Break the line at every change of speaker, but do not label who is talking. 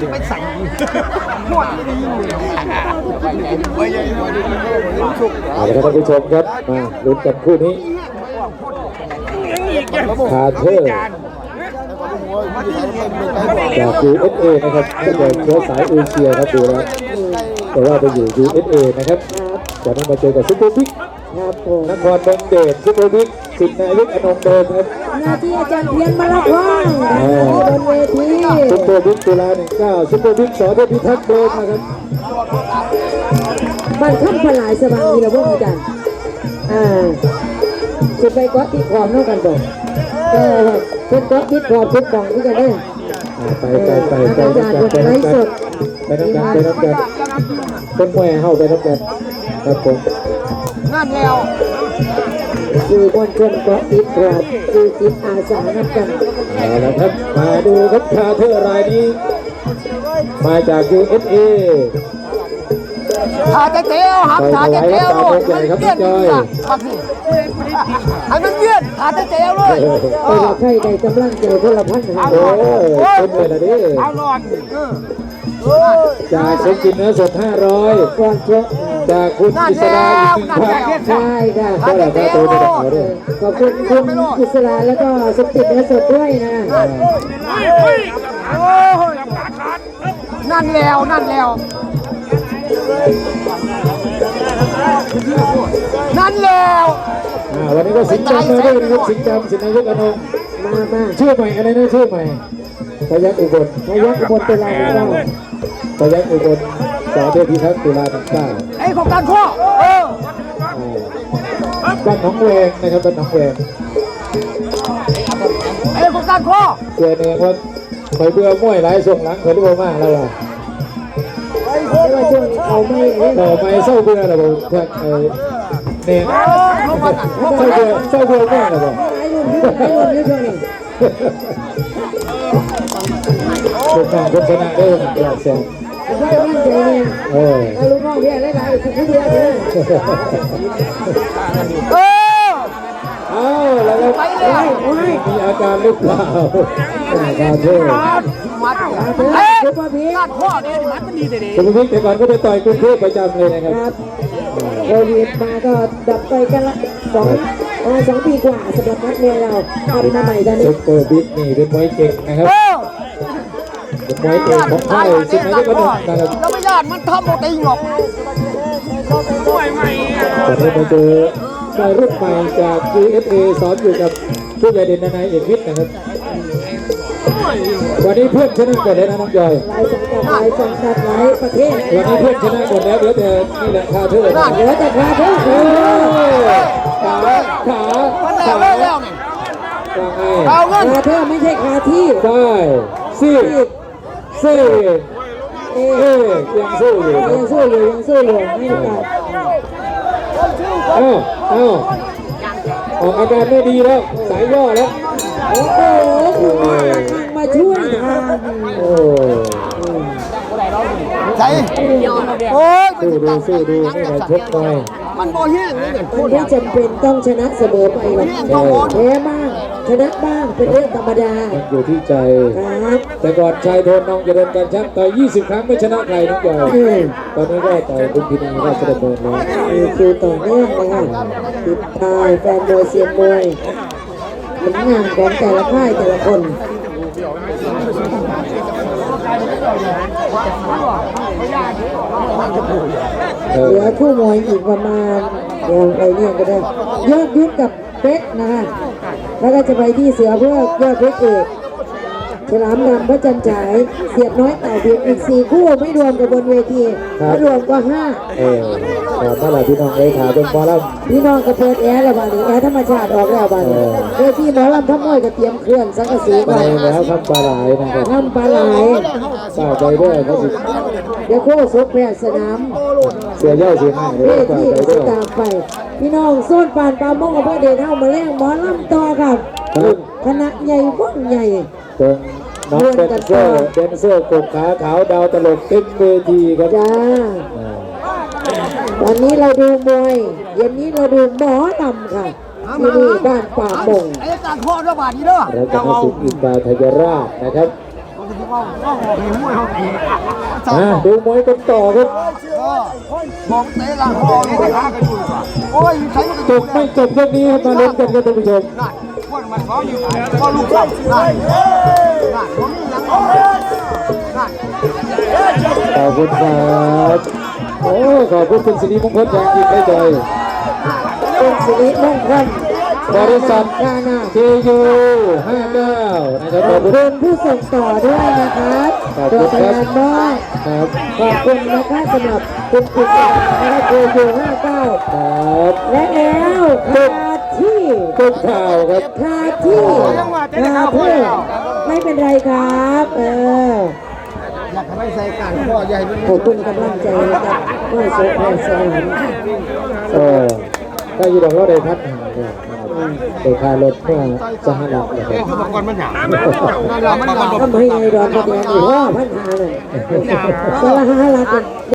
ไปใส่ขวดไม่ได้ยินเลย
เอาละครับท่านผู้ชมครับมาลุ้นกันคู่นี้คาเทอร์จาก USA นะครับก็จะเชื้อสายเอเชียครับดูแล้วแต่ว่าไปอยู่ USA นะครับจะต้องมาเจอกับซุปเปอร์บิ๊กนครบงเดชซุปเปอร์บิ๊กสิทธิ์นายกอนงเดิมครับ
หน้าที่อาจารย์เพียรมารับว่างบนเวที
ซุปเปอร์บิ๊กตุลา19ซุปเปอร์บิ๊กสอเดชพิทักษ์เดิมนะครับ
บ้านข้ามพลายสว่างมีระบบอาจารย์จะไปเกาะที่ขอบนอกกันบ่เป็นเกาะที่ขอบทุกกล่องที่จะได้
ไปน้ำกันต้นแหวเข้าไปน้ำกันครับผม
นั่นแล้ว
คือบนชนเกาะติดขอบคือจิตอาสาน้ำกัน
เอาละครับมาดูครับคาเทอร์รายนี้มาจาก USA
ถาเตี้ยวครับถาเตี้ยวเลยมันเตี้ยครับพี่ให้มันเตี้ยถาเตี้ยวเลย
ใครใดกำลังเจอคนละพันหา
โอ้ยเป็นเลยนะดิ
เอาหลอด
จากสมจิตเนื้อสด500
ก่อนเจาะ
จากคุณอิสราอีก1,000
ใช่ค่ะ
ก็แล้วก็ตัวนี้เอาด้วย
ขอบคุณคุณอิสราแล้วก็สมจิตเนื้อสดด้วยนะ
นั่นแล้วนั่นแล้ว
วันนี้ก็สิงห์จำมาด้วยนะครับสิงห์จำสิงห์นายกอนง
มา
ชื่อใหม่อะไรนะชื่อใหม่พยัคฆ์อุบล
ตุลา
พยัคฆ์อุบลสอเดชพิทักษ์ตุลา
ไอ้ของการข้อ
บ้านหนองแวงนะครับบ้านหนองแวง
ไอ้ของการข้อ
เสียเนียว่าคอยเบื่อม้วยหลายส่งหลังเคยรู้มากแล้วล่ะ
เขาไม่
เศร้าเบื่อแล้วบอกแท็กเนี่ยเศร้าเบื่อมากเลยบอกคนทางคนชนะได้หนึ่งแสน
ไม่มั่นใจเนี่ยลูกน้องเพี้ยหลายๆคนเพี้ยเลย
แล้วมีอาการหรือเปล่าการเทศ
ซุปเปอร์บิ๊กข้อเนี่ยมันดีเลย
ซุปเปอร์บิ๊กแต่ก่อนก็ไปต่อยกรุงเทพประจำเลยนะครับ
โควิดมาก็ดับไปกันละ2 ปีกว่าสำหรับนักมวยเราทำมาใหม่ตอนนี้
ซุปเปอร์บิ๊กนี่เป็นมวยเก่งนะครับเป็นมวยเก่งของไทยสิงห์นายกอนงนะครับ
แล้วไม่ยากมันทำหมดเองหรอกมวยใหม่
ตอนนี้มาเจอมวยรุ่นใหม่จาก USA สอนอยู่กับผู้ใหญ่เด่นนายเอกวิทย์นะครับวันนี้เพื่อนชนะหมดแล้วนะน้องจอย
หลายสังกัดหลายประเทศ
วันนี้เพื่อนชนะหมดแล้วเดี๋ยวแต่นี่แหละคาเทอร์
เดี๋ยวแต่คาเทอร์
ขา
แล้วนี่
คาเทอร์ไม่ใช่คาที่
ใช่ซี่ยังสู้อยู่
ไม่ได้
ออกอาการไม่ดีแล้วสายย่อแล้ว
โอ้โหมาช่วยทาง
ใช่โอ้ย
สู้ดูนี่แหละชกมวย
มันโมเหี้ยนี่
คนที่จำเป็นต้องชนะเสมอไปหรอกแพ้บ้างชนะบ้างเป็นเรื่องธรรมดา
อยู่ที่ใจแต่ก่อนชายโทนน้องจะเดินการชักต่อย20 ครั้งไม่ชนะใครน้องจอยตอนนี้ก็ต่อยบุญพินีราชดำเนินแล้ว
คือต่อเนื่องนะคะติดตายแฟนมวยเซียนมวยผลงานของแต่ละค่ายแต่ละคนเหลือคู่มวยอีกประมาณอย่างไรเนี่ยก็ได้ยอดยุทธกับเพชรนะคะแล้วก็จะไปที่เสือเพื่อยอดเพชรเอกฉลามดำพระจันทร์ฉายเสียดน้อยเต่าเบียดอีก4 คู่ไม่รวมกับบนเวทีไม่รวมก็5
เมื่อไหร่พี่น้องเลยขาเป็นหมอล
ำพี่น้องก็เปิดแอร์แล้วบ้านี้แอร์ธรรมชาติออกแล้วบ้านี้เวทีหมอลำทั้งมวยก็เตรียมเคลื่อนสังกะสี
ไปแล้วทำปลาไหลนะครับ
ทำปลาไหล
ฝากใจด้วยเขาสิ
เดี๋ยวโค้ชแพทย์สนาม
เสียเย่าเสียห้า
เวทีก็ตามไปพี่น้องโซนปานปลาโมงกับพ่อเดชเท่ามาแล้งหมอลำต่อครับคณะใหญ่ว่องใหญ่
ตรงน้องเดนเซอร์กบขาขาวดาวตลกเต็มเวทีครับ
จ้าวันนี้เราดูมวยเย็นนี้เราดูหมอลำค่ะที่นี่บ้านป่าโมง
ไอ้การข้อระบาดนี้เด้อ
แล้วก็มาสุดอินดาทยราชนะครับดูมวยกันต่อครับ
มองเตะหลังมองไปหากันอยู่โอ้ยใครมัน
จบไม่จบเรื่องนี้ครับมาลุ้นกันครับท่านผู้ชม
นั่นคนมันซ้อมอยู่ก็ลูกซ้ำนั่นนั่นผมหลังนั่น
ขอบคุณครับโอ้ขอบคุณคุณสิริมงคลอย่างยิ่งได้ใจ
เป็นสิริมงคล
บริษัท
กานา
KU 59นะครับ
ข
ข
อ
อ
บบ
คุณ
คุณผู้ส่งต่อด้วยนะครับ
ขอบ
ตั
คุ
ว
ณ
แท
ครับ
นบ้าน
ครับ
ขอบคุณนะคะสำหรับคุณกิตตินะคะโกโก้59
ครับ
และแล้วคาที่
ทุกข่าวครับ
คาที่ไม่เป็นไรครับ
อยากให้ใส่การพ่อใหญ่มัน
ขอบคุณกำลังใจนะครับไม่โซ่ไม่สวรรค์
ถ้าอยู่ดอกเราได้พัดหาเนี่ยโดยค่ารถเพื่อสหรัฐนะครับ
ก่อนมันหยาบมันหยาบ
ทำให้ไงดอนกระเดียนอีกว่าพันหาเลยสละหาลัก